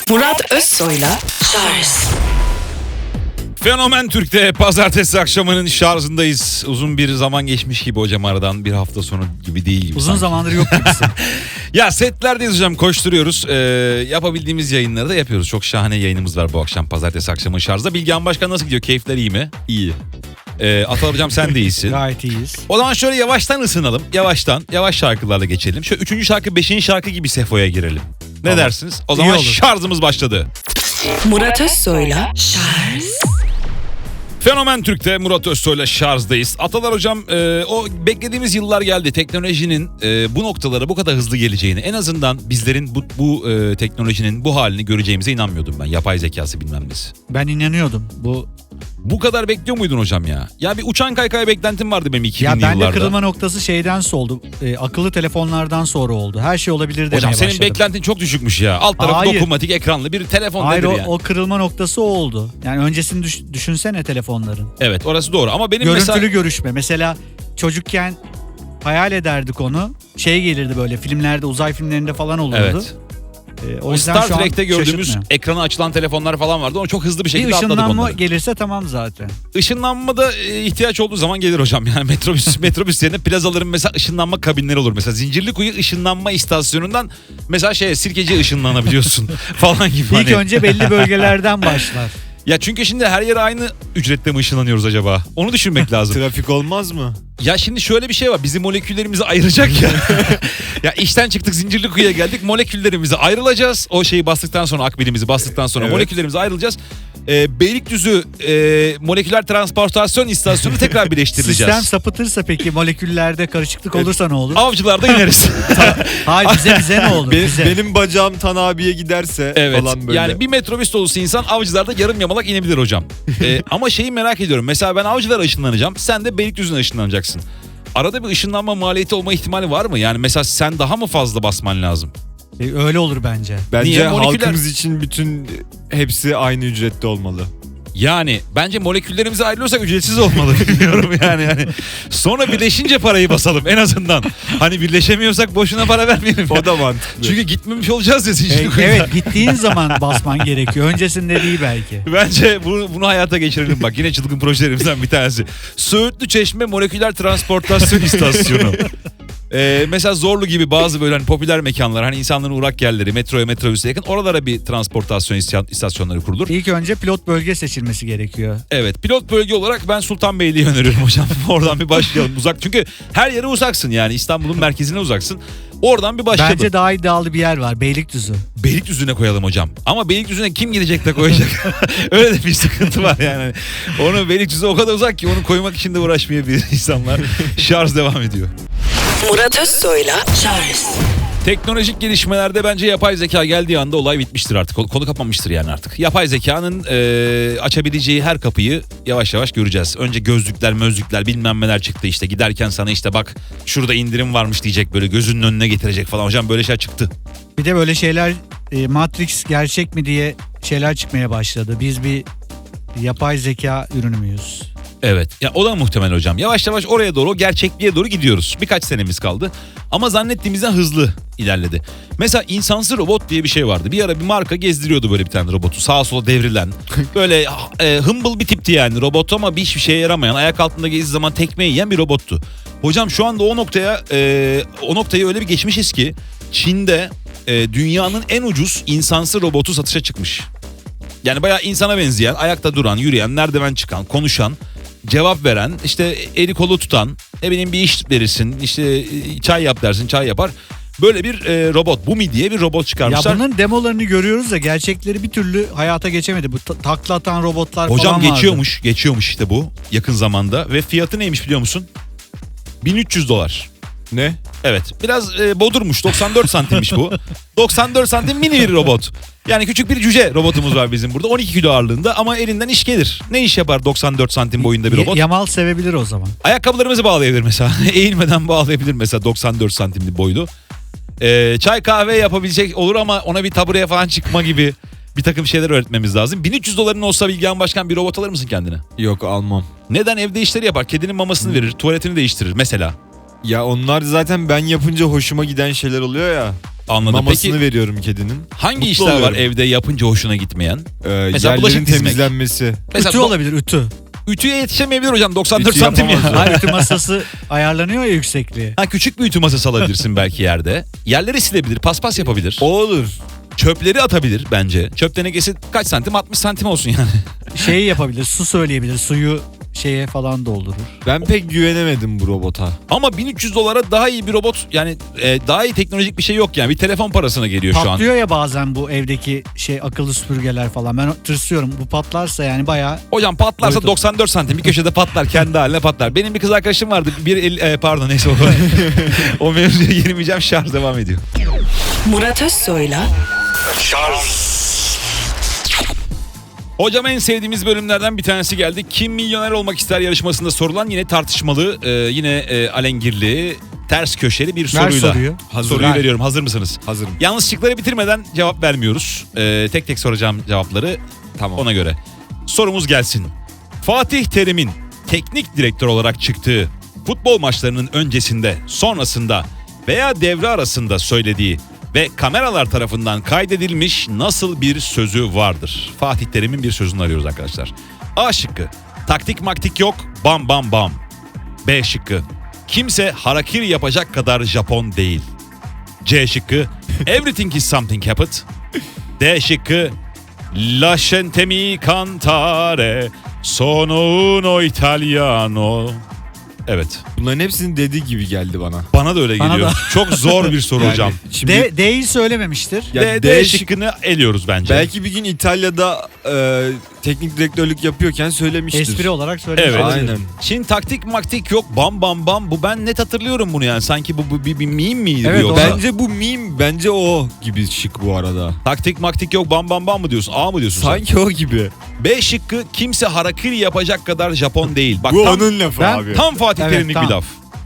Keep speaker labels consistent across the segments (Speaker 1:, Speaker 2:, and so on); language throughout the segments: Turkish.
Speaker 1: Murat Özsoy'la Şarj.
Speaker 2: Fenomen Türk'te pazartesi akşamının şarjındayız. Uzun bir zaman geçmiş gibi hocam aradan, bir hafta sonu gibi değil gibi.
Speaker 3: Uzun
Speaker 2: sanki.
Speaker 3: zamandır yok gibisin.
Speaker 2: Ya setlerdeyiz hocam, koşturuyoruz. Yapabildiğimiz yayınları da yapıyoruz. Çok şahane yayınımız var bu akşam pazartesi akşamı şarjda. Bilgehan Başkan nasıl gidiyor? Keyifler iyi mi? İyi. Atal hocam sen de iyisin.
Speaker 3: Gayet iyiyiz.
Speaker 2: O zaman şöyle yavaştan ısınalım. Yavaş şarkılarla geçelim. Şöyle 3. şarkı 5. şarkı gibi Sefo'ya girelim. Ne
Speaker 3: Tamam.
Speaker 2: dersiniz? O zaman
Speaker 3: olur.
Speaker 2: şarjımız başladı.
Speaker 1: Murat Özsoy'la Şarj.
Speaker 2: Fenomen Türk'te Murat Özsoy'la şarjdayız. Atalar hocam, o beklediğimiz yıllar geldi. Teknolojinin bu noktalara bu kadar hızlı geleceğini, en azından bizlerin bu teknolojinin bu halini göreceğimize inanmıyordum ben. Yapay zekası bilmem nesi.
Speaker 3: Ben inanıyordum.
Speaker 2: Bu kadar bekliyor muydun hocam ya? Ya bir uçan kaykay beklentim vardı benim 2000'li
Speaker 3: Ya
Speaker 2: yıllarda.
Speaker 3: bende kırılma noktası şeyden oldu. Akıllı telefonlardan sonra oldu. Her şey olabilir demeye
Speaker 2: Hocam senin
Speaker 3: başladım.
Speaker 2: beklentin çok düşükmüş ya. Alt tarafı
Speaker 3: Hayır.
Speaker 2: dokunmatik ekranlı bir telefon
Speaker 3: Hayır,
Speaker 2: nedir
Speaker 3: o,
Speaker 2: yani?
Speaker 3: o kırılma noktası o oldu. Yani öncesini düşünsene telefonların.
Speaker 2: Evet, orası doğru ama benim
Speaker 3: Görüntülü
Speaker 2: mesela...
Speaker 3: görüşme. Mesela çocukken hayal ederdik onu. Şey gelirdi böyle filmlerde, uzay filmlerinde falan olurdu.
Speaker 2: Evet.
Speaker 3: O yüzden
Speaker 2: Star
Speaker 3: şu an
Speaker 2: Trek'te gördüğümüz
Speaker 3: şaşırtmıyor.
Speaker 2: ekrana açılan telefonlar falan vardı. Onu çok hızlı bir şekilde
Speaker 3: Bir
Speaker 2: atladık
Speaker 3: ışınlanma
Speaker 2: onları.
Speaker 3: gelirse tamam zaten.
Speaker 2: Işınlanma da ihtiyaç olduğu zaman gelir hocam. Yani metrobüs yerine plazaların mesela ışınlanma kabinleri olur. Mesela Zincirlikuyu ışınlanma istasyonundan mesela Sirkeci'ye ışınlanabiliyorsun falan gibi.
Speaker 3: İlk önce belli bölgelerden başlar.
Speaker 2: Ya çünkü şimdi her yere aynı ücretle mi ışınlanıyoruz acaba? Onu düşünmek lazım.
Speaker 4: Trafik olmaz mı?
Speaker 2: Ya şimdi şöyle bir şey var. Bizim moleküllerimizi ayıracak ya. Ya işten çıktık, Zincirlikuyu'ya geldik. Moleküllerimizi ayrılacağız. O şeyi bastıktan sonra, akbilimizi bastıktan sonra
Speaker 4: Evet.
Speaker 2: moleküllerimizi ayrılacağız. Beylikdüzü moleküler transportasyon istasyonu tekrar birleştirileceğiz.
Speaker 3: Sistem sapıtırsa peki moleküllerde karışıklık olursa ne olur?
Speaker 2: Avcılarda ineriz.
Speaker 3: Hayır bize ne olur? Bize.
Speaker 4: Benim bacağım Tan abiye giderse
Speaker 2: Evet.
Speaker 4: falan böyle.
Speaker 2: Yani bir metrobüs dolusu insan Avcılar'da yarım yamalak inebilir hocam. Ama şeyi merak ediyorum. Mesela ben Avcılar'a ışınlanacağım. Sen de Beylikdüzü'ne ışınlanacaksın. Arada bir ışınlanma maliyeti olma ihtimali var mı? Yani mesela sen daha mı fazla basman lazım?
Speaker 3: Öyle olur bence.
Speaker 4: Bence
Speaker 2: Niye? Moleküler-
Speaker 4: halkımız için bütün hepsi aynı ücrette olmalı.
Speaker 2: Yani bence moleküllerimize ayrılıyorsak ücretsiz olmalı, bilmiyorum yani. Sonra birleşince parayı basalım en azından. Hani birleşemiyorsak boşuna para vermeyelim.
Speaker 4: O da mantıklı.
Speaker 2: Çünkü gitmemiş olacağız ya Zincirlikuyu'da.
Speaker 3: Evet gittiğin zaman basman gerekiyor. Öncesinde değil belki.
Speaker 2: Bence bunu hayata geçirelim bak. Yine çılgın projelerimizden bir tanesi. Söğütlü Çeşme Moleküler Transportasyon İstasyonu. Mesela Zorlu gibi bazı böyle hani popüler mekanlar, hani insanların uğrak yerleri, metroya, metrobüse yakın, oralara bir transportasyon istasyonları kurulur.
Speaker 3: İlk önce pilot bölge seçilmesi gerekiyor.
Speaker 2: Evet, pilot bölge olarak ben Sultanbeyli'yi öneriyorum hocam. Oradan bir başlayalım. Uzak, çünkü her yere uzaksın yani, İstanbul'un merkezine uzaksın. Oradan bir başlayalım.
Speaker 3: Bence daha iddialı bir yer var. Beylikdüzü.
Speaker 2: Beylikdüzü'ne koyalım hocam. Ama Beylikdüzü'ne kim gidecek de koyacak? Öyle de bir sıkıntı var yani. Onu Beylikdüzü o kadar uzak ki onu koymak için de uğraşmayabilir insanlar. Şarj devam ediyor.
Speaker 1: Murat Özsoy'la Şarj.
Speaker 2: Teknolojik gelişmelerde bence yapay zeka geldiği anda olay bitmiştir artık. Konu kapanmıştır yani artık. Yapay zekanın açabileceği her kapıyı yavaş yavaş göreceğiz. Önce gözlükler bilmem neler çıktı işte. Giderken sana işte bak şurada indirim varmış diyecek, böyle gözünün önüne getirecek falan. Hocam böyle şeyler çıktı.
Speaker 3: Bir de böyle şeyler Matrix gerçek mi diye şeyler çıkmaya başladı. Biz bir yapay zeka ürünü müyüz?
Speaker 2: Evet. Ya o da muhtemel hocam. Yavaş yavaş oraya doğru, o gerçekliğe doğru gidiyoruz. Birkaç senemiz kaldı. Ama zannettiğimizden hızlı ilerledi. Mesela insansız robot diye bir şey vardı. Bir ara bir marka gezdiriyordu böyle bir tane robotu. Sağa sola devrilen. Böyle humble bir tipti yani robot, ama hiçbir şeye yaramayan, ayak altında gezdiği zaman tekme yiyen bir robottu. Hocam şu anda o noktayı öyle bir geçmişiz ki Çin'de dünyanın en ucuz insansız robotu satışa çıkmış. Yani bayağı insana benzeyen, ayakta duran, yürüyen, merdiven çıkan, konuşan, cevap veren, işte eli kolu tutan, ne bileyim bir iş verirsin, işte çay yap dersin, çay yapar. Böyle bir robot, Bumi diye bir robot çıkarmışlar.
Speaker 3: Ya bunların demolarını görüyoruz da gerçekleri bir türlü hayata geçemedi. Bu takla atan robotlar
Speaker 2: Hocam
Speaker 3: falan vardı.
Speaker 2: geçiyormuş işte bu yakın zamanda, ve fiyatı neymiş biliyor musun? $1300.
Speaker 4: Ne?
Speaker 2: Evet, biraz bodurmuş, 94 santimmiş bu. 94 santim mini bir robot. Yani küçük bir cüce robotumuz var bizim burada, 12 kilo ağırlığında, ama elinden iş gelir. Ne iş yapar 94 santim boyunda bir robot?
Speaker 3: Yamal sevebilir o zaman.
Speaker 2: Ayakkabılarımızı bağlayabilir mesela. Eğilmeden bağlayabilir mesela, 94 santimli boylu. Çay kahve yapabilecek olur, ama ona bir tabureye falan çıkma gibi bir takım şeyler öğretmemiz lazım. $1300 olsa Bilgehan Başkan bir robot alır mısın kendine?
Speaker 4: Yok, almam.
Speaker 2: Neden? Evde işleri yapar. Kedinin mamasını verir, tuvaletini değiştirir mesela.
Speaker 4: Ya onlar zaten ben yapınca hoşuma giden şeyler oluyor ya.
Speaker 2: Anladım.
Speaker 4: Mamasını
Speaker 2: Peki
Speaker 4: veriyorum kedinin.
Speaker 2: hangi
Speaker 4: Mutlu
Speaker 2: işler var
Speaker 4: oluyorum.
Speaker 2: evde yapınca hoşuna gitmeyen? Mesela
Speaker 4: Yerlerin
Speaker 2: bulaşık dizmek.
Speaker 4: temizlenmesi.
Speaker 3: Ütü olabilir, ütü.
Speaker 2: Ütüye yetişemeyebilir hocam 94
Speaker 4: Ütü
Speaker 2: santim ya.
Speaker 4: yapamaz.
Speaker 3: Hayır, ütü masası ayarlanıyor ya yüksekliği.
Speaker 2: Ha, küçük bir ütü masası alabilirsin belki yerde. Yerleri silebilir, paspas yapabilir.
Speaker 4: O olur.
Speaker 2: Çöpleri atabilir bence. Çöp tenekesi kaç santim? 60 santim olsun yani.
Speaker 3: Şeyi yapabilir, su söyleyebilir, suyu şeye falan doldurur.
Speaker 4: Ben pek güvenemedim bu robota.
Speaker 2: Ama $1.300 daha iyi bir robot, yani daha iyi teknolojik bir şey yok yani. Bir telefon parasına geliyor şu an.
Speaker 3: Patlıyor ya bazen bu evdeki akıllı süpürgeler falan. Ben tırsıyorum. Bu patlarsa yani bayağı
Speaker 2: Hocam patlarsa
Speaker 3: Boyutu.
Speaker 2: 94 santim bir köşede patlar, kendi haline patlar. Benim bir kız arkadaşım vardı. Pardon neyse o mevzuya girmeyeceğim, şarj devam ediyor.
Speaker 1: Murat Özsoy'la
Speaker 2: Hocam en sevdiğimiz bölümlerden bir tanesi geldi. Kim milyoner olmak ister yarışmasında sorulan yine tartışmalı, yine alengirli, ters köşeli bir
Speaker 3: ver
Speaker 2: soruyla.
Speaker 3: soruyu.
Speaker 2: Soruyu
Speaker 3: Ver.
Speaker 2: veriyorum, hazır mısınız?
Speaker 4: Hazırım.
Speaker 2: Yanlışlıkları bitirmeden cevap vermiyoruz. Tek tek soracağım cevapları
Speaker 4: Tamam.
Speaker 2: ona göre. Sorumuz gelsin. Fatih Terim'in teknik direktör olarak çıktığı futbol maçlarının öncesinde, sonrasında veya devre arasında söylediği ve kameralar tarafından kaydedilmiş nasıl bir sözü vardır? Fatih Terim'in bir sözünü arıyoruz arkadaşlar. A şıkkı. Taktik maktik yok, bam bam bam. B şıkkı. Kimse harakiri yapacak kadar Japon değil. C şıkkı. Everything is something happened. D şıkkı. Lasciatemi cantare sono uno italiano. Evet.
Speaker 4: Bunların hepsinin dediği gibi geldi bana.
Speaker 2: Bana da öyle
Speaker 3: Bana
Speaker 2: geliyor.
Speaker 3: da.
Speaker 2: Çok zor bir soru
Speaker 4: Yani
Speaker 2: hocam.
Speaker 4: Şimdi
Speaker 3: D'yi söylememiştir.
Speaker 4: ya
Speaker 2: D şıkkını eliyoruz bence.
Speaker 4: belki bir gün İtalya'da teknik direktörlük yapıyorken söylemiştir.
Speaker 3: Espri olarak söylemiş.
Speaker 2: Evet.
Speaker 3: olabilir.
Speaker 4: Aynen.
Speaker 2: Şimdi taktik maktik yok, bam bam bam. Bu ben net hatırlıyorum bunu yani. Sanki bu bir meme miydi
Speaker 3: Evet,
Speaker 2: bu yoksa?
Speaker 4: Bence bu meme, bence o gibi şık bu arada.
Speaker 2: Taktik maktik yok, bam bam bam mı diyorsun? A mı diyorsun sen?
Speaker 4: Sanki o gibi.
Speaker 2: B şıkkı kimse harakiri yapacak kadar Japon değil. Bak
Speaker 4: Bu
Speaker 2: tam,
Speaker 4: onun lafı
Speaker 3: Ben-
Speaker 4: abi.
Speaker 2: tam Fatih
Speaker 3: Evet,
Speaker 2: Terim'lik
Speaker 3: tam.
Speaker 2: bir laf.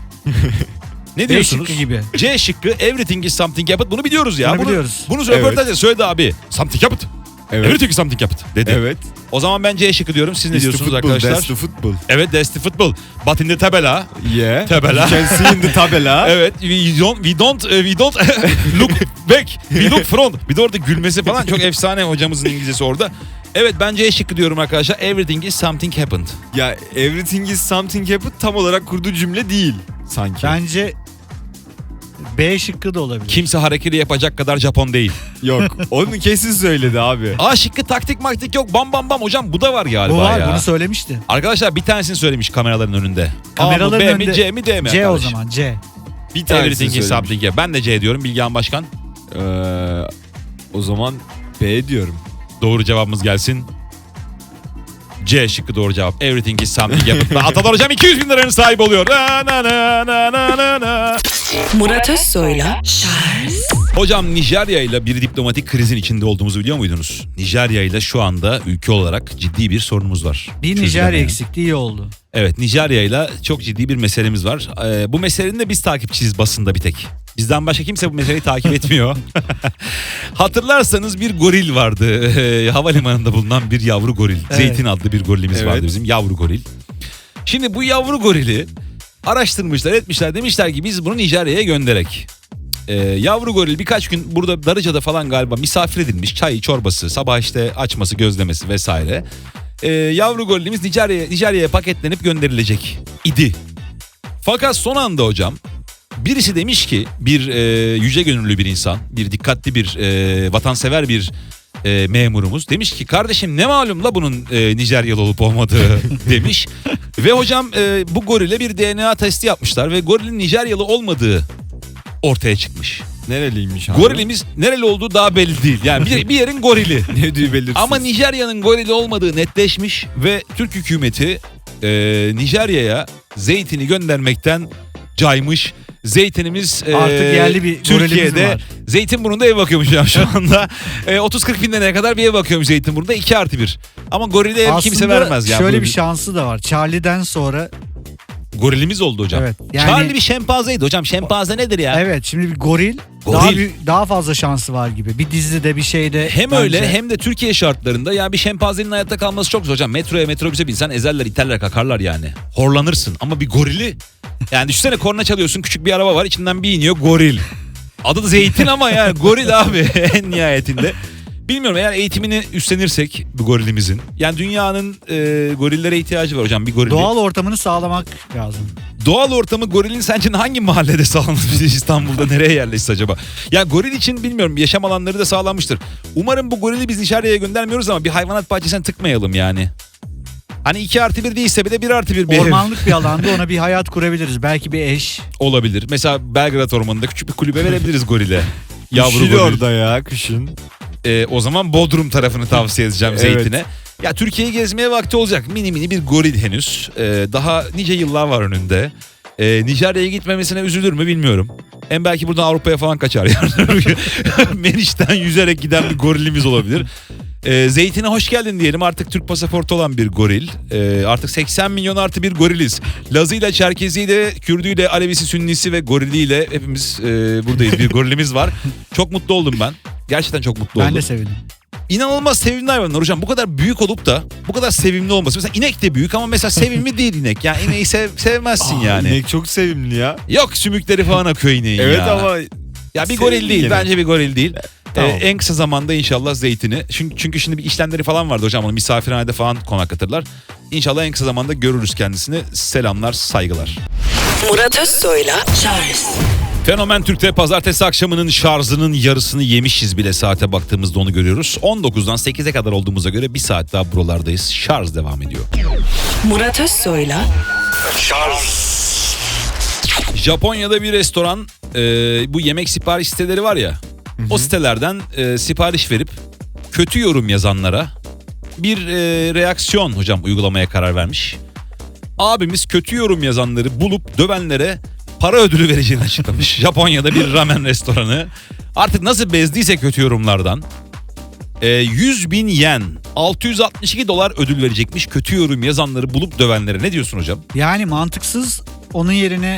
Speaker 2: Ne
Speaker 3: B
Speaker 2: diyorsunuz?
Speaker 3: şıkkı gibi.
Speaker 2: C şıkkı everything is something happened. Bunu biliyoruz ya.
Speaker 3: Bunu biliyoruz.
Speaker 2: Bunu röportajda söyledi abi. Something happened.
Speaker 4: Evet.
Speaker 2: Everything is something happened dedi.
Speaker 4: Evet.
Speaker 2: O zaman ben C şıkkı diyorum. Siz ne
Speaker 4: It's the
Speaker 2: diyorsunuz
Speaker 4: football,
Speaker 2: arkadaşlar?
Speaker 4: That's the football.
Speaker 2: Evet, that's the football. But in the tabela.
Speaker 4: Yeah.
Speaker 2: Tabela.
Speaker 4: You can see in the tabela.
Speaker 2: Evet, we don't look back. We look front. Bir de orada gülmesi falan çok efsane hocamızın İngilizcesi orada. Evet, ben C şıkkı diyorum arkadaşlar. Everything is something happened.
Speaker 4: Ya everything is something happened tam olarak kurduğu cümle değil sanki.
Speaker 3: Bence B şıkkı da olabilir.
Speaker 2: Kimse hareketi yapacak kadar Japon değil.
Speaker 4: Yok. Onu kesin söyledi abi.
Speaker 2: A şıkkı taktik maktik yok, bam bam bam. Hocam bu da var galiba
Speaker 3: Bu var,
Speaker 2: ya.
Speaker 3: bunu söylemişti.
Speaker 2: Arkadaşlar bir tanesini söylemiş kameraların önünde.
Speaker 3: Kameraların
Speaker 2: A mı, B
Speaker 3: önünde.
Speaker 2: mi, C mi, D mi
Speaker 3: C o
Speaker 2: arkadaş?
Speaker 3: zaman, C.
Speaker 4: Bir tanesini
Speaker 2: Everything is
Speaker 4: söylemiş.
Speaker 2: something happened. Ben de C diyorum Bilgehan Başkan.
Speaker 4: O zaman B diyorum.
Speaker 2: Doğru cevabımız gelsin. C şıkkı doğru cevap. Everything is something happened. Atalar hocam 200 bin liranın sahibi oluyor. Na, na, na, na, na, na, na.
Speaker 1: Murat Özsoy'la
Speaker 2: Hocam Nijerya ile bir diplomatik krizin içinde olduğumuzu biliyor muydunuz? Nijerya ile şu anda ülke olarak ciddi bir sorunumuz var.
Speaker 3: Bir
Speaker 2: Çözülemeyen.
Speaker 3: Nijerya eksikliği iyi oldu.
Speaker 2: Evet, Nijerya ile çok ciddi bir meselemiz var. Bu meselenin de biz takipçiyiz basında bir tek. Bizden başka kimse bu meseleyi takip etmiyor. Hatırlarsanız bir goril vardı. Havalimanında bulunan bir yavru goril.
Speaker 3: Evet.
Speaker 2: Zeytin adlı bir gorilimiz
Speaker 4: Evet.
Speaker 2: vardı bizim, yavru goril. Şimdi bu yavru gorili araştırmışlar, etmişler, demişler ki biz bunu Nijerya'ya gönderek. Yavru goril birkaç gün burada Darıca'da falan galiba misafir edilmiş. Çayı, çorbası, sabah işte açması, gözlemesi vesaire. Yavru gorilimiz Nijerya'ya paketlenip gönderilecek idi. Fakat son anda hocam birisi demiş ki bir yüce gönüllü bir insan, bir dikkatli bir vatansever bir memurumuz demiş ki kardeşim ne malum la bunun Nijeryalı olup olmadığı demiş. Ve hocam bu gorile bir DNA testi yapmışlar ve gorilin Nijeryalı olmadığı ortaya çıkmış.
Speaker 4: Nereliymiş abi?
Speaker 2: Gorilimiz nereli olduğu daha belli değil. Yani bir yerin gorili.
Speaker 4: Ne diyor belirsiz.
Speaker 2: Ama Nijerya'nın gorili olmadığı netleşmiş ve Türk hükümeti Nijerya'ya zeytini göndermekten caymış. Zeytinimiz
Speaker 3: Artık yerli bir gorilimiz
Speaker 2: Türkiye'de
Speaker 3: var.
Speaker 2: Zeytinburnu'nda ev bakıyormuş ya şu anda. 30-40 bin liraya kadar bir ev bakıyormuş Zeytinburnu'da 2+1. Ama gorile ev kimse vermez ya.
Speaker 3: şöyle
Speaker 2: Böyle
Speaker 3: bir şansı da var. Charlie'den sonra
Speaker 2: gorilimiz oldu hocam.
Speaker 3: Evet, yani-
Speaker 2: Charlie bir şempanzeydi hocam. Şempanze nedir ya?
Speaker 3: evet şimdi bir goril,
Speaker 2: Goril.
Speaker 3: daha fazla şansı var gibi. Bir dizide bir şeyde.
Speaker 2: Hem
Speaker 3: bence.
Speaker 2: öyle hem de Türkiye şartlarında ya bir şempanzenin hayatta kalması çok zor hocam. Metroya metrobüse binsen ezerler, iterler, kakarlar yani. Horlanırsın ama bir gorili Yani düşünsene korna çalıyorsun, küçük bir araba var, içinden bir iniyor goril. Adı da Zeytin ama yani goril abi en nihayetinde. Bilmiyorum, eğer eğitimini üstlenirsek bu gorilimizin. Yani dünyanın gorillere ihtiyacı var hocam, bir goril.
Speaker 3: Doğal ortamını sağlamak lazım.
Speaker 2: Doğal ortamı gorilin sence hangi mahallede sağlanır İstanbul'da, nereye yerleşse acaba? Ya goril için bilmiyorum, yaşam alanları da sağlanmıştır. Umarım bu gorili biz dışarıya göndermiyoruz ama bir hayvanat bahçesine tıkmayalım yani. Hani 2+1 değilse bile 1+1 bir ev
Speaker 3: Ormanlık bir alanda ona bir hayat kurabiliriz. Belki bir eş.
Speaker 2: olabilir. Mesela Belgrad Ormanı'nda küçük bir kulübe verebiliriz gorile. Yavru
Speaker 4: Üşür
Speaker 2: goril.
Speaker 4: orada ya kışın.
Speaker 2: O zaman Bodrum tarafını tavsiye edeceğim
Speaker 4: Evet.
Speaker 2: Zeytin'e. Ya Türkiye'yi gezmeye vakti olacak. Mini mini bir goril henüz. Daha nice yıllar var önünde. Nijerya'ya gitmemesine üzülür mü bilmiyorum. Hem belki buradan Avrupa'ya falan kaçar yani. Meriç'ten yüzerek giden bir gorilimiz olabilir. Zeytin'e hoş geldin diyelim. Artık Türk pasaportu olan bir goril. Artık 80 milyon artı bir goriliz. Lazıyla, Çerkeziyle, Kürdüyle, Alevisi, Sünnisi ve goriliyle hepimiz buradayız. Bir gorilimiz var. Çok mutlu oldum ben. Gerçekten çok mutlu oldum.
Speaker 3: Ben de sevindim.
Speaker 2: İnanılmaz sevimli hayvanlar hocam. Bu kadar büyük olup da bu kadar sevimli olması. Mesela inek de büyük ama mesela sevimli değil inek. Yani ineği sevmezsin yani.
Speaker 4: İnek çok sevimli ya.
Speaker 2: Yok, sümükleri falan akıyor ineğin
Speaker 4: Evet
Speaker 2: ya.
Speaker 4: ama
Speaker 2: Ya bir goril
Speaker 4: sevimli
Speaker 2: değil.
Speaker 4: gene.
Speaker 2: Bence bir goril değil.
Speaker 4: Tamam.
Speaker 2: En kısa zamanda inşallah Zeytin'i. Çünkü şimdi bir işlemleri falan vardı hocam. Onu misafirhanede falan konaklatırlar. İnşallah en kısa zamanda görürüz kendisini. Selamlar, saygılar.
Speaker 1: Murat Özsoy'la Charles
Speaker 2: Fenomen Türk'te pazartesi akşamının şarjının yarısını yemişiz bile, saate baktığımızda onu görüyoruz. 19'dan 8'e kadar olduğumuza göre bir saat daha buralardayız. Şarj devam ediyor.
Speaker 1: Murat Özsoy'la
Speaker 2: Japonya'da bir restoran bu yemek sipariş siteleri var ya. O sitelerden sipariş verip kötü yorum yazanlara bir reaksiyon hocam uygulamaya karar vermiş. Abimiz kötü yorum yazanları bulup dövenlere para ödülü vereceğini açıklamış. Japonya'da bir ramen restoranı artık nasıl bezdiyse kötü yorumlardan 100.000 yen, 662 dolar ödül verecekmiş kötü yorum yazanları bulup dövenlere. Ne diyorsun hocam?
Speaker 3: Yani mantıksız, onun yerine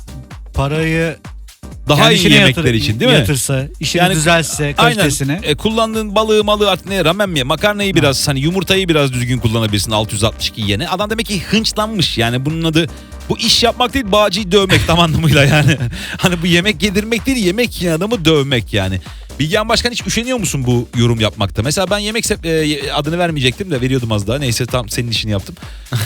Speaker 3: parayı
Speaker 2: Daha
Speaker 3: kendi
Speaker 2: iyi
Speaker 3: işine
Speaker 2: yemekler için değil mi?
Speaker 3: yatırsa, işini
Speaker 2: Yani
Speaker 3: düzelse, kalitesini.
Speaker 2: Aynen. Kullandığın balığı malı artık ne, ramen mi? Makarnayı biraz, hani yumurtayı biraz düzgün kullanabilirsin 662 yene. Adam demek ki hınçlanmış. Yani bunun adı, bu iş yapmak değil, bağcıyı dövmek tam anlamıyla yani. Hani bu yemek yedirmek değil, yemek yiyen adamı dövmek yani. Bilgehan Başkan, hiç üşeniyor musun bu yorum yapmakta? Mesela ben yemek adını vermeyecektim de veriyordum az daha. Neyse, tam senin işini yaptım.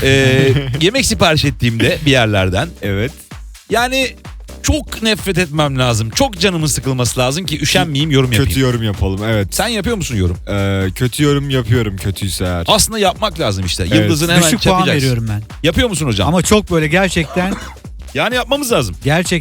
Speaker 2: Yemek sipariş ettiğimde bir yerlerden.
Speaker 4: evet.
Speaker 2: Yani çok nefret etmem lazım. Çok canımın sıkılması lazım ki üşenmeyeyim, yorum yapayım.
Speaker 4: Kötü yorum yapalım, evet.
Speaker 2: Sen yapıyor musun yorum?
Speaker 4: Kötü yorum yapıyorum, kötüyse eğer.
Speaker 2: Aslında yapmak lazım işte.
Speaker 4: Evet.
Speaker 2: Yıldızını hemen
Speaker 3: Düşük puan
Speaker 2: çakacaksın.
Speaker 3: veriyorum ben.
Speaker 2: Yapıyor musun hocam?
Speaker 3: Ama çok böyle gerçekten
Speaker 2: Yani yapmamız lazım.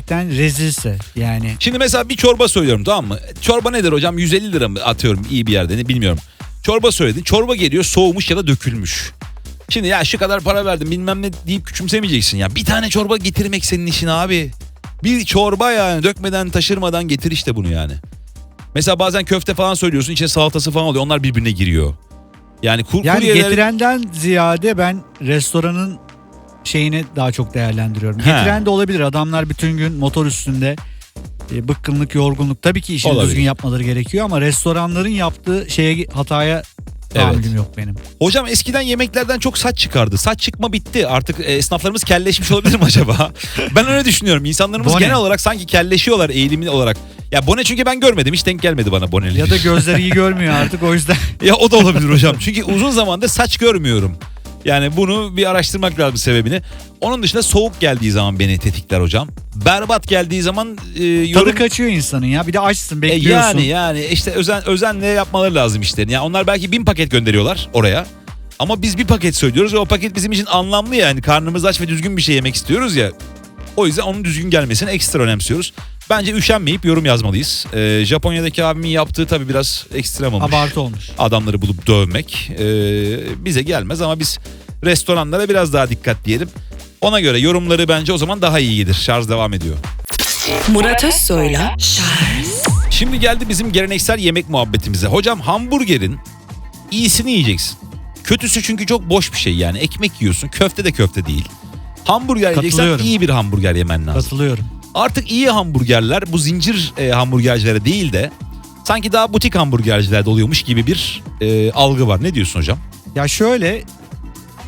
Speaker 3: rezilse yani.
Speaker 2: Şimdi mesela bir çorba söylüyorum, tamam mı? Çorba nedir hocam? 150 lira mı atıyorum iyi bir yerde, ne bilmiyorum. Çorba söyledin. Çorba geliyor soğumuş ya da dökülmüş. Şimdi ya şu kadar para verdim bilmem ne deyip küçümsemeyeceksin ya. Bir tane çorba getirmek senin işin abi. Bir çorba yani, dökmeden taşırmadan getir işte bunu yani. Mesela bazen köfte falan söylüyorsun, içine salatası falan oluyor, onlar birbirine giriyor. Yani
Speaker 3: Yani
Speaker 2: kuryeler...
Speaker 3: getirenden ziyade ben restoranın şeyini daha çok değerlendiriyorum.
Speaker 2: He.
Speaker 3: Getiren de olabilir. Adamlar bütün gün motor üstünde, bıkkınlık, yorgunluk. Tabii ki işini
Speaker 2: Olabilir.
Speaker 3: düzgün yapmaları gerekiyor ama restoranların yaptığı hataya tahammülüm yok benim.
Speaker 2: Hocam eskiden yemeklerden çok saç çıkardı. Saç çıkma bitti. Artık esnaflarımız kelleşmiş olabilir mi acaba? Ben öyle düşünüyorum. İnsanlarımız
Speaker 3: Bone.
Speaker 2: genel olarak sanki kelleşiyorlar eğilimli olarak. Ya bone, çünkü ben görmedim. Hiç denk gelmedi bana boneli.
Speaker 3: Ya da gözleri iyi görmüyor artık, o yüzden.
Speaker 2: Ya o da olabilir hocam. Çünkü uzun zamandır saç görmüyorum. Yani bunu bir araştırmak lazım sebebini. Onun dışında soğuk geldiği zaman beni tetikler hocam. Berbat geldiği zaman yorum...
Speaker 3: Tadı kaçıyor insanın ya. Bir de açsın, bekliyorsun.
Speaker 2: Yani işte özenle yapmaları lazım işlerini. Yani onlar belki 1000 paket gönderiyorlar oraya. Ama biz bir paket söylüyoruz ve o paket bizim için anlamlı yani. Karnımız aç ve düzgün bir şey yemek istiyoruz ya. O yüzden onun düzgün gelmesini ekstra önemsiyoruz. Bence üşenmeyip yorum yazmalıyız. Japonya'daki abimin yaptığı tabii biraz ekstrem olmuş.
Speaker 3: Abartı olmuş.
Speaker 2: Adamları bulup dövmek bize gelmez ama biz restoranlara biraz daha dikkat diyelim. Ona göre yorumları bence o zaman daha iyi gelir. Şarj devam ediyor.
Speaker 1: Murat Özsoy'la Charles
Speaker 2: Şimdi geldi bizim geleneksel yemek muhabbetimize. Hocam, hamburgerin iyisini yiyeceksin. Kötüsü çünkü çok boş bir şey yani. Ekmek yiyorsun, köfte de köfte değil. Hamburger yiyeceksen
Speaker 3: Katılıyorum.
Speaker 2: iyi bir hamburger yemen lazım.
Speaker 3: Katılıyorum.
Speaker 2: Artık iyi hamburgerler bu zincir hamburgercilere değil de sanki daha butik hamburgercilerde oluyormuş gibi bir algı var. Ne diyorsun hocam?
Speaker 3: Ya şöyle,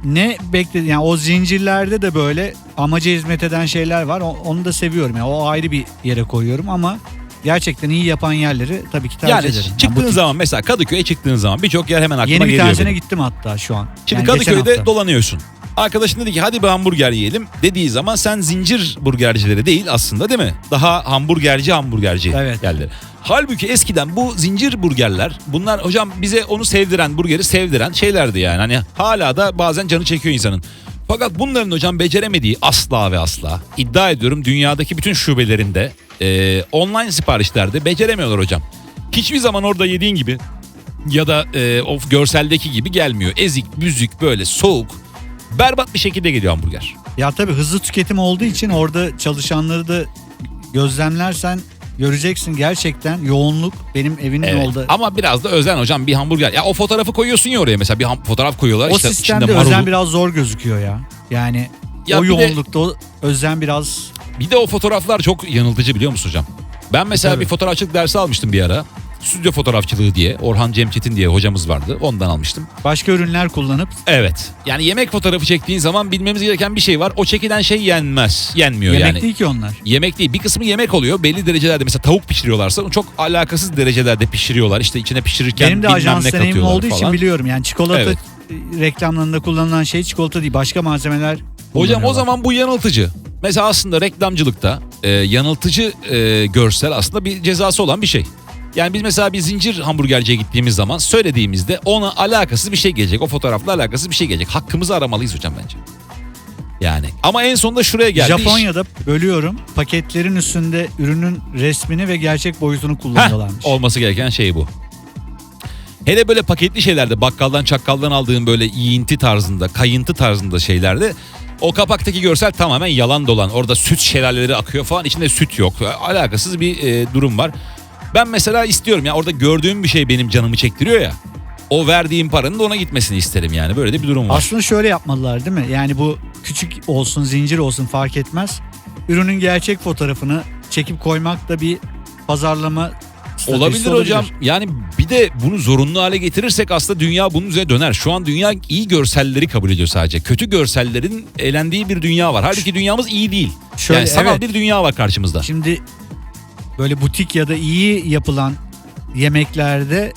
Speaker 3: ne bekledi yani o zincirlerde de böyle amaca hizmet eden şeyler var. Onu da seviyorum. Yani o ayrı bir yere koyuyorum ama gerçekten iyi yapan yerleri tabii ki tercih
Speaker 2: Yani
Speaker 3: ederim.
Speaker 2: çıktığın
Speaker 3: butik.
Speaker 2: zaman mesela Kadıköy'e çıktığın zaman birçok yer hemen aklıma
Speaker 3: Yeni bir
Speaker 2: geliyor
Speaker 3: tanesine
Speaker 2: benim.
Speaker 3: gittim hatta şu an.
Speaker 2: Şimdi
Speaker 3: Yani geçen
Speaker 2: Kadıköy'de
Speaker 3: hafta.
Speaker 2: dolanıyorsun. Arkadaşın dedi ki hadi bir hamburger yiyelim dediği zaman sen zincir burgercileri değil aslında değil mi? Daha hamburgerci
Speaker 3: Evet.
Speaker 2: yerleri. Halbuki eskiden bu zincir burgerler bunlar hocam bize onu sevdiren burgeri sevdiren şeylerdi yani. Hani hala da bazen canı çekiyor insanın. Fakat bunların hocam beceremediği asla ve asla iddia ediyorum dünyadaki bütün şubelerinde online siparişlerde beceremiyorlar hocam. Hiçbir zaman orada yediğin gibi ya da o görseldeki gibi gelmiyor. Ezik, büzük böyle soğuk berbat bir şekilde geliyor hamburger.
Speaker 3: Ya tabii hızlı tüketim olduğu için orada çalışanları da gözlemlersen göreceksin gerçekten yoğunluk benim evimin
Speaker 2: Evet.
Speaker 3: oldu.
Speaker 2: Ama biraz da özen hocam bir hamburger. Ya o fotoğrafı koyuyorsun ya oraya mesela bir fotoğraf koyuyorlar.
Speaker 3: O
Speaker 2: işte
Speaker 3: sistemde
Speaker 2: içinde
Speaker 3: özen
Speaker 2: marulu.
Speaker 3: biraz zor gözüküyor ya. Yani
Speaker 2: Ya
Speaker 3: o
Speaker 2: bir de-
Speaker 3: yoğunlukta o özen biraz
Speaker 2: Bir de o fotoğraflar çok yanıltıcı biliyor musun hocam? Ben mesela
Speaker 3: Tabii.
Speaker 2: bir fotoğrafçılık dersi almıştım bir ara. Stüdyo fotoğrafçılığı diye Orhan Cemçetin diye hocamız vardı. Ondan almıştım.
Speaker 3: başka ürünler kullanıp
Speaker 2: Evet. Yani yemek fotoğrafı çektiğin zaman bilmemiz gereken bir şey var. O çekilen şey yenmez. Yenmiyor
Speaker 3: yemek
Speaker 2: yani.
Speaker 3: değil ki onlar.
Speaker 2: Yemek değil. Bir kısmı yemek oluyor. Belli derecelerde mesela tavuk pişiriyorlarsa çok alakasız derecelerde pişiriyorlar. İşte içine pişirirken
Speaker 3: Benim de
Speaker 2: bilmem
Speaker 3: ajans
Speaker 2: ne
Speaker 3: deneyimim
Speaker 2: katıyorlar
Speaker 3: olduğu için
Speaker 2: falan.
Speaker 3: biliyorum. Yani çikolata
Speaker 2: Evet.
Speaker 3: reklamlarında kullanılan şey çikolata değil. Başka malzemeler
Speaker 2: Hocam o
Speaker 3: kullanıyorlar.
Speaker 2: zaman bu yanıltıcı. Mesela aslında reklamcılıkta yanıltıcı görsel aslında bir cezası olan bir şey. Yani biz mesela bir zincir hamburgerciye gittiğimiz zaman söylediğimizde ona alakasız bir şey gelecek. O fotoğrafla alakasız bir şey gelecek. Hakkımızı aramalıyız hocam bence. Yani ama en sonunda şuraya geldi. iş.
Speaker 3: Japonya'da bölüyorum. Paketlerin üstünde ürünün resmini ve gerçek boyutunu kullanıyorlarmış.
Speaker 2: Olması gereken şey bu. Hele böyle paketli şeylerde bakkaldan çakkaldan aldığın böyle yiyinti tarzında, kayıntı tarzında şeylerde o kapaktaki görsel tamamen yalan dolan. Orada süt şelaleleri akıyor falan içinde süt yok. Alakasız bir durum var. Ben mesela istiyorum ya orada gördüğüm bir şey benim canımı çektiriyor ya. O verdiğim paranın da ona gitmesini isterim yani. Böyle de bir durum var.
Speaker 3: Aslında şöyle yapmalılar değil mi? Yani bu küçük olsun, zincir olsun fark etmez. Ürünün gerçek fotoğrafını çekip koymak da bir pazarlama stratejisi
Speaker 2: Olabilir hocam. Yani bir de bunu zorunlu hale getirirsek aslında dünya bunun üzerine döner. Şu an dünya iyi görselleri kabul ediyor sadece. Kötü görsellerin elendiği bir dünya var. Halbuki dünyamız iyi değil.
Speaker 3: Şöyle,
Speaker 2: yani sanal
Speaker 3: evet.
Speaker 2: bir dünya var karşımızda.
Speaker 3: Şimdi böyle butik ya da iyi yapılan yemeklerde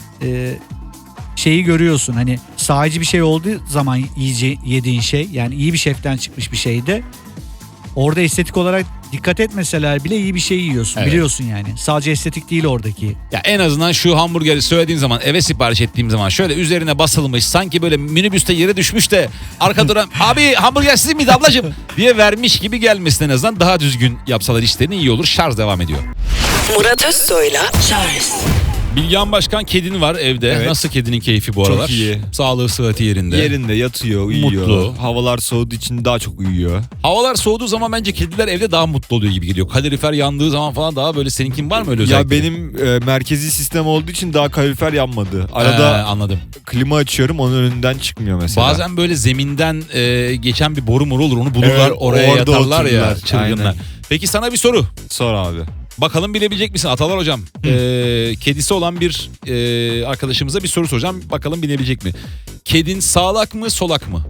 Speaker 3: şeyi görüyorsun. Hani sadece bir şey olduğu zaman yediğin şey yani iyi bir şeften çıkmış bir şeyde orada estetik olarak dikkat etmeseler bile iyi bir şey yiyorsun.
Speaker 2: Evet.
Speaker 3: Biliyorsun yani. Sadece estetik değil oradaki.
Speaker 2: Ya en azından şu hamburgeri söylediğim zaman eve sipariş ettiğim zaman şöyle üzerine basılmış sanki böyle minibüste yere düşmüş de arka duran abi hamburger sizin miydi ablacığım diye vermiş gibi gelmesin en azından daha düzgün yapsalar işlerini iyi olur. Şarj devam ediyor.
Speaker 1: Murat Özsoy'la Charles
Speaker 2: Bilgehan Başkan kedin var evde.
Speaker 4: Evet.
Speaker 2: Nasıl kedinin keyfi bu
Speaker 4: Çok
Speaker 2: aralar?
Speaker 4: iyi.
Speaker 2: Sağlığı sıhhati yerinde.
Speaker 4: Yerinde yatıyor, uyuyor.
Speaker 2: Mutlu.
Speaker 4: Havalar soğuduğu için daha çok uyuyor.
Speaker 2: Havalar soğuduğu zaman bence kediler evde daha mutlu oluyor gibi geliyor. Kalorifer yandığı zaman falan daha böyle seninkin var mı öyle
Speaker 4: Ya
Speaker 2: özellikle?
Speaker 4: benim merkezi sistem olduğu için daha kalorifer yanmadı. Arada
Speaker 2: Anladım.
Speaker 4: klima açıyorum onun önünden çıkmıyor mesela.
Speaker 2: Bazen böyle zeminden geçen bir boru olur onu bulurlar
Speaker 4: Evet,
Speaker 2: oraya
Speaker 4: orada
Speaker 2: yatarlar ya
Speaker 4: otururlar.
Speaker 2: çılgınlar.
Speaker 4: Aynen.
Speaker 2: Peki sana bir soru.
Speaker 4: Sor abi.
Speaker 2: Bakalım bilebilecek misin Atalar hocam? Kedisi olan bir arkadaşımıza bir soru soracağım. Bakalım bilebilecek mi? Kedin sağlak mı solak mı?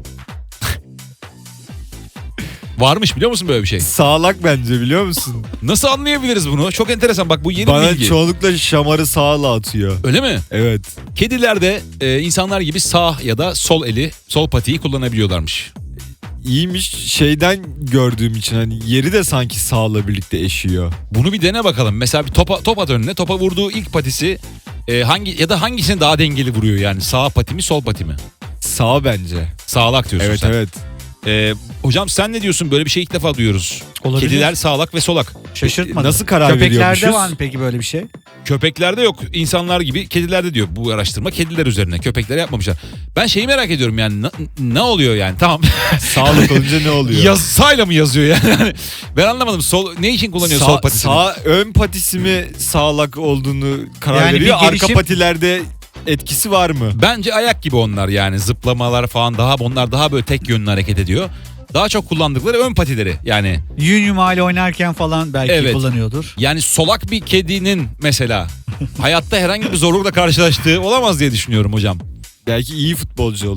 Speaker 2: Varmış biliyor musun böyle bir şey?
Speaker 4: Sağlak bence biliyor musun?
Speaker 2: Nasıl anlayabiliriz bunu? Çok enteresan bak bu yeni
Speaker 4: Bana
Speaker 2: bilgi.
Speaker 4: çoğunlukla şamarı sağla atıyor.
Speaker 2: Öyle mi?
Speaker 4: Evet.
Speaker 2: Kediler de insanlar gibi sağ ya da sol eli, sol patiyi kullanabiliyorlarmış.
Speaker 4: İyiymiş şeyden gördüğüm için hani yeri de sanki sağla birlikte eşiyor.
Speaker 2: Bunu bir dene bakalım. Mesela bir top at önüne. Topa vurduğu ilk patisi hangisini daha dengeli vuruyor yani? Sağ pati mi, sol pati mi?
Speaker 4: Sağ bence.
Speaker 2: Sağlak diyorsun
Speaker 4: Evet
Speaker 2: sen.
Speaker 4: evet.
Speaker 2: Hocam sen ne diyorsun? Böyle bir şey ilk defa duyuyoruz.
Speaker 3: Olabilir.
Speaker 2: Kediler sağlak ve solak.
Speaker 3: Şaşırtmadı.
Speaker 4: Nasıl karar
Speaker 3: Köpeklerde
Speaker 4: veriyormuşuz?
Speaker 3: var mı peki böyle bir şey?
Speaker 2: Köpeklerde yok. İnsanlar gibi kedilerde diyor bu araştırma. Kediler üzerine. Köpekler yapmamışlar. Ben şeyi merak ediyorum yani ne oluyor yani? Tamam.
Speaker 4: Sağlık olunca ne oluyor?
Speaker 2: Sağla mı yazıyor yani? Ben anlamadım. Ne için kullanıyor sol patisini?
Speaker 4: Ön patisi mi sağlak olduğunu karar
Speaker 3: Yani bir
Speaker 4: veriyor. Arka
Speaker 3: gelişim-
Speaker 4: patilerde etkisi var mı?
Speaker 2: Bence ayak gibi onlar yani. Zıplamalar falan onlar daha böyle tek yönlü hareket ediyor. Daha çok kullandıkları ön patileri yani.
Speaker 3: Yün hali oynarken falan belki
Speaker 2: Evet.
Speaker 3: kullanıyordur.
Speaker 2: Yani solak bir kedinin mesela hayatta herhangi bir zorlukla karşılaştığı olamaz diye düşünüyorum hocam.
Speaker 4: Belki iyi futbolcu olur.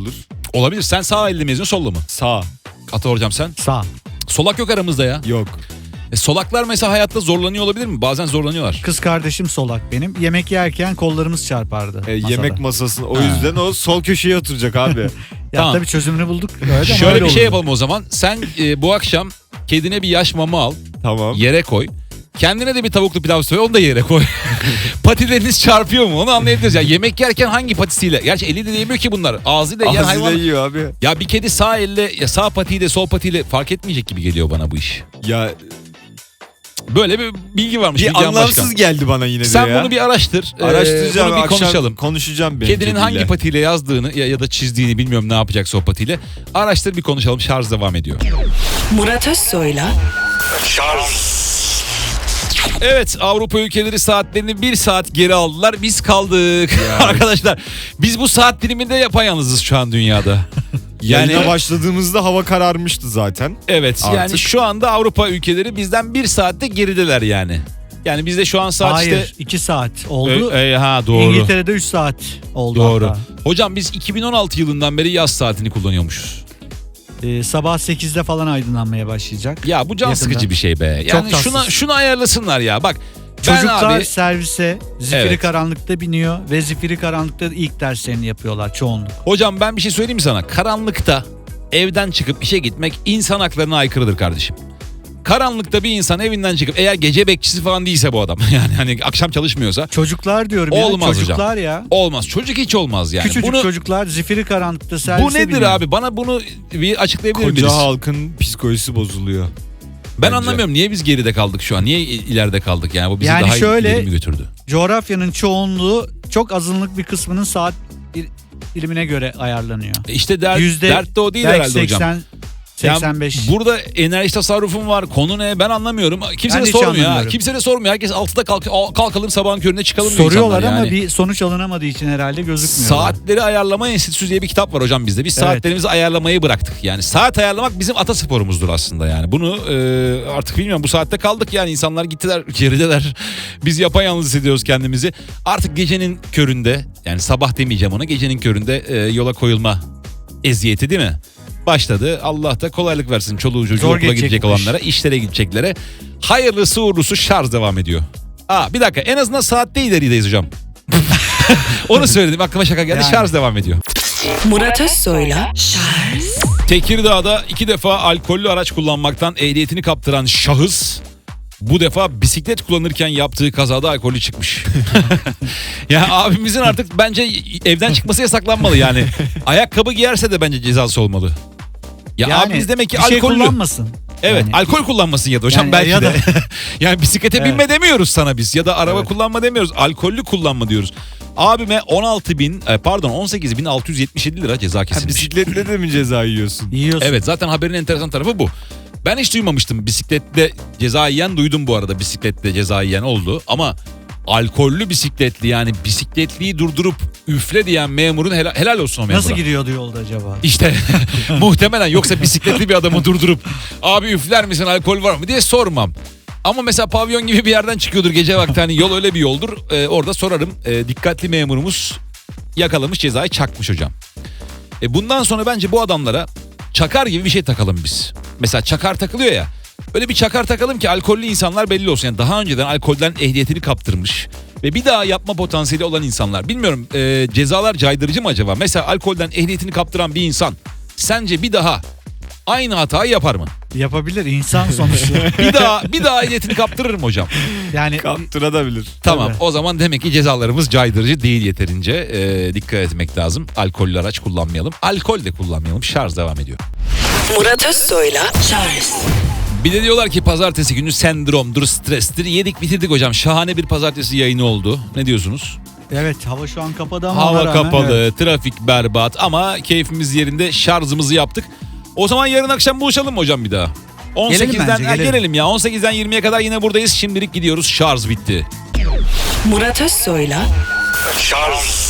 Speaker 2: Olabilir. Sen sağ elle mi yazıyorsun, solla mı?
Speaker 4: Sağ.
Speaker 2: Ata hocam sen?
Speaker 3: Sağ.
Speaker 2: Solak yok aramızda ya.
Speaker 4: Yok.
Speaker 2: Solaklar mesela hayatta zorlanıyor olabilir mi? Bazen zorlanıyorlar.
Speaker 3: Kız kardeşim solak benim. Yemek yerken kollarımız çarpardı. masada.
Speaker 4: Yemek masasında. O yüzden o sol köşeye oturacak abi.
Speaker 3: Ya
Speaker 2: Tamam.
Speaker 3: tabii çözümünü bulduk. Öyle ama
Speaker 2: Şöyle
Speaker 3: öyle
Speaker 2: bir şey
Speaker 3: olurdu.
Speaker 2: yapalım o zaman. Sen bu akşam kedine bir yaş mama al.
Speaker 4: Tamam.
Speaker 2: Yere koy. Kendine de bir tavuklu pilav söyle, onu da yere koy. Patileriniz çarpıyor mu? Onu anlayabiliriz. Ya yemek yerken hangi patisiyle? Gerçi eliyle de yemiyor ki bunlar. Ağzıyla yiyen
Speaker 4: Ağzıyla
Speaker 2: hayvan.
Speaker 4: yiyor abi.
Speaker 2: Ya bir kedi sağ elle, ya sağ patiyle sol patiyle fark etmeyecek gibi geliyor bana bu iş.
Speaker 4: Ya
Speaker 2: Böyle bir bilgi varmış.
Speaker 4: bir
Speaker 2: Bilgehan
Speaker 4: anlamsız
Speaker 2: Başkan.
Speaker 4: geldi bana yine de
Speaker 2: Sen
Speaker 4: ya.
Speaker 2: bunu bir araştır.
Speaker 4: Araştıracağım.
Speaker 2: Bunu bir
Speaker 4: Akşam
Speaker 2: konuşalım.
Speaker 4: konuşacağım benim
Speaker 2: Kedinin hangi
Speaker 4: kediyle.
Speaker 2: patiyle yazdığını ya da çizdiğini bilmiyorum, ne yapacaksa o patiyle. Araştır, bir konuşalım. Şarj devam ediyor.
Speaker 1: Murat Özsoy'la
Speaker 2: Evet, Avrupa ülkeleri saatlerini 1 saat geri aldılar. Biz kaldık. Arkadaşlar biz bu saat diliminde yapayalnızız şu an dünyada.
Speaker 4: Yani
Speaker 2: Yani
Speaker 4: başladığımızda hava kararmıştı zaten.
Speaker 2: evet, yani
Speaker 4: Artık.
Speaker 2: şu anda Avrupa ülkeleri bizden 1 saatte gerideler yani. Yani bizde şu an saat
Speaker 3: Hayır,
Speaker 2: işte
Speaker 3: 2 saat oldu.
Speaker 2: ha doğru.
Speaker 3: İngiltere'de 3 saat oldu
Speaker 2: Doğru.
Speaker 3: hatta.
Speaker 2: Hocam biz 2016 yılından beri yaz saatini kullanıyormuşuz.
Speaker 3: Sabah 8'de falan aydınlanmaya başlayacak.
Speaker 2: Ya bu can
Speaker 3: Yakında.
Speaker 2: sıkıcı bir şey be.
Speaker 3: Çok
Speaker 2: Yani
Speaker 3: tatsız.
Speaker 2: şunu ayarlasınlar ya. Bak ben
Speaker 3: Çocuklar
Speaker 2: abi
Speaker 3: servise zifiri
Speaker 2: Evet.
Speaker 3: karanlıkta biniyor ve zifiri karanlıkta ilk derslerini yapıyorlar çoğunluk.
Speaker 2: hocam ben bir şey söyleyeyim mi sana? Karanlıkta evden çıkıp işe gitmek insan haklarına aykırıdır kardeşim. Karanlıkta bir insan evinden çıkıp, eğer gece bekçisi falan değilse bu adam, yani hani akşam çalışmıyorsa,
Speaker 3: Çocuklar diyorum
Speaker 2: Olmaz
Speaker 3: ya.
Speaker 2: hocam.
Speaker 3: Çocuklar ya.
Speaker 2: olmaz. Çocuk hiç olmaz yani.
Speaker 3: Küçücük
Speaker 2: Bunu,
Speaker 3: çocuklar zifiri karanlıkta servise
Speaker 2: bu nedir
Speaker 3: biniyor.
Speaker 2: abi? Bana bunu bir açıklayabilir
Speaker 4: Koca
Speaker 2: misiniz?
Speaker 4: halkın psikolojisi bozuluyor.
Speaker 2: Ben
Speaker 4: bence.
Speaker 2: anlamıyorum, niye biz geride kaldık şu an? Niye ileride kaldık yani? Bu bizi
Speaker 3: Yani
Speaker 2: daha
Speaker 3: şöyle-
Speaker 2: ileri mi götürdü?
Speaker 3: Coğrafyanın çoğunluğu çok azınlık bir kısmının saat dilimine göre ayarlanıyor.
Speaker 2: İşte
Speaker 3: Yüzde
Speaker 2: dert de o değil
Speaker 3: belki
Speaker 2: herhalde hocam.
Speaker 3: 85.
Speaker 2: Burada enerji tasarrufum var. Konu ne? Ben anlamıyorum. Kimse
Speaker 3: Ben
Speaker 2: de
Speaker 3: hiç
Speaker 2: sormuyor ha.
Speaker 3: anlamıyorum.
Speaker 2: Kimse de sormuyor. Herkes 6'da kalkalım sabahın köründe çıkalım diyor
Speaker 3: Soruyorlar
Speaker 2: insanlar
Speaker 3: ama
Speaker 2: yani.
Speaker 3: bir sonuç alınamadığı için herhalde gözükmüyor.
Speaker 2: Saatleri Ayarlama Enstitüsü diye bir kitap var hocam bizde. Biz
Speaker 3: Evet.
Speaker 2: saatlerimizi ayarlamayı bıraktık. Yani saat ayarlamak bizim atasporumuzdur aslında yani. Bunu artık bilmiyorum, bu saatte kaldık yani. İnsanlar gittiler, gerideler. Biz yapayalnız hissediyoruz kendimizi. Artık gecenin köründe, yani sabah demeyeceğim ona, gecenin köründe yola koyulma eziyeti değil mi? Başladı. Allah da kolaylık versin çoluğu çocuğu
Speaker 3: Zor
Speaker 2: okula gidecek
Speaker 3: geçecekmiş.
Speaker 2: olanlara, işlere gideceklere. Hayırlısı uğurlusu, şarj devam ediyor. Bir dakika, en azından saatte ilerideyiz hocam. Onu söyledim, aklıma şaka geldi.
Speaker 3: Yani.
Speaker 2: Şarj devam ediyor.
Speaker 1: Murat Özsoy'la
Speaker 2: Tekirdağ'da 2 defa alkollü araç kullanmaktan ehliyetini kaptıran şahıs bu defa bisiklet kullanırken yaptığı kazada alkollü çıkmış. Ya abimizin artık bence evden çıkması yasaklanmalı yani. Ayakkabı giyerse de bence cezası olmalı. Ya
Speaker 3: Yani
Speaker 2: abimiz demek ki
Speaker 3: bir şey
Speaker 2: alkollü.
Speaker 3: kullanmasın.
Speaker 2: Evet,
Speaker 3: Yani-
Speaker 2: alkol kullanmasın ya da hocam
Speaker 3: Yani
Speaker 2: belki
Speaker 3: ya
Speaker 2: de.
Speaker 3: da-
Speaker 2: Yani bisiklete
Speaker 3: Evet.
Speaker 2: binme demiyoruz sana biz, ya da araba
Speaker 3: Evet.
Speaker 2: kullanma demiyoruz. Alkollü kullanma diyoruz. Abime 18.677 lira ceza
Speaker 4: Ha,
Speaker 2: kesilmiş.
Speaker 4: bisikletle de mi ceza yiyorsun?
Speaker 3: Yiyorsun.
Speaker 2: Evet, zaten haberin enteresan tarafı bu. Ben hiç duymamıştım. Bisikletle ceza yiyen duydum bu arada. Bisikletle ceza yiyen oldu. Ama alkollü bisikletli, yani bisikletliyi durdurup üfle diyen memurun helal olsun o memura.
Speaker 3: Nasıl gidiyordu yolda acaba?
Speaker 2: İşte muhtemelen, yoksa bisikletli bir adamı durdurup abi üfler misin, alkol var mı diye sormam. Ama mesela pavyon gibi bir yerden çıkıyordur gece vakti, hani yol öyle bir yoldur. Orada sorarım. Dikkatli memurumuz yakalamış, cezayı çakmış hocam. Bundan sonra bence bu adamlara çakar gibi bir şey takalım biz. Mesela çakar takılıyor ya. Öyle bir çakar takalım ki alkollü insanlar belli olsun. Yani daha önceden alkolden ehliyetini kaptırmış ve bir daha yapma potansiyeli olan insanlar. Bilmiyorum, cezalar caydırıcı mı acaba? Mesela alkolden ehliyetini kaptıran bir insan sence bir daha aynı hatayı yapar mı?
Speaker 3: Yapabilir, insan sonuçta.
Speaker 2: Bir daha ehliyetini kaptırır mı hocam?
Speaker 3: Yani
Speaker 4: Kaptırabilir.
Speaker 2: Tamam,
Speaker 3: Tabii.
Speaker 2: o zaman demek ki cezalarımız caydırıcı değil yeterince. Dikkat etmek lazım. Alkollü araç kullanmayalım. Alkol de kullanmayalım. Şarj devam ediyor.
Speaker 1: Murat Özsoy'la
Speaker 2: Bir de diyorlar ki pazartesi günü sendromdur, strestir. Yedik bitirdik hocam. Şahane bir pazartesi yayını oldu. Ne diyorsunuz?
Speaker 3: evet, hava şu an kapadı ama ona
Speaker 2: Hava
Speaker 3: rağmen,
Speaker 2: kapalı,
Speaker 3: evet.
Speaker 2: trafik berbat ama keyfimiz yerinde, şarjımızı yaptık. O zaman yarın akşam buluşalım mı hocam bir daha? 18'den
Speaker 3: bence, gelelim.
Speaker 2: gelelim ya. 18'den 20'ye kadar yine buradayız. Şimdilik gidiyoruz. Şarj bitti.
Speaker 1: Murat Özsoy'la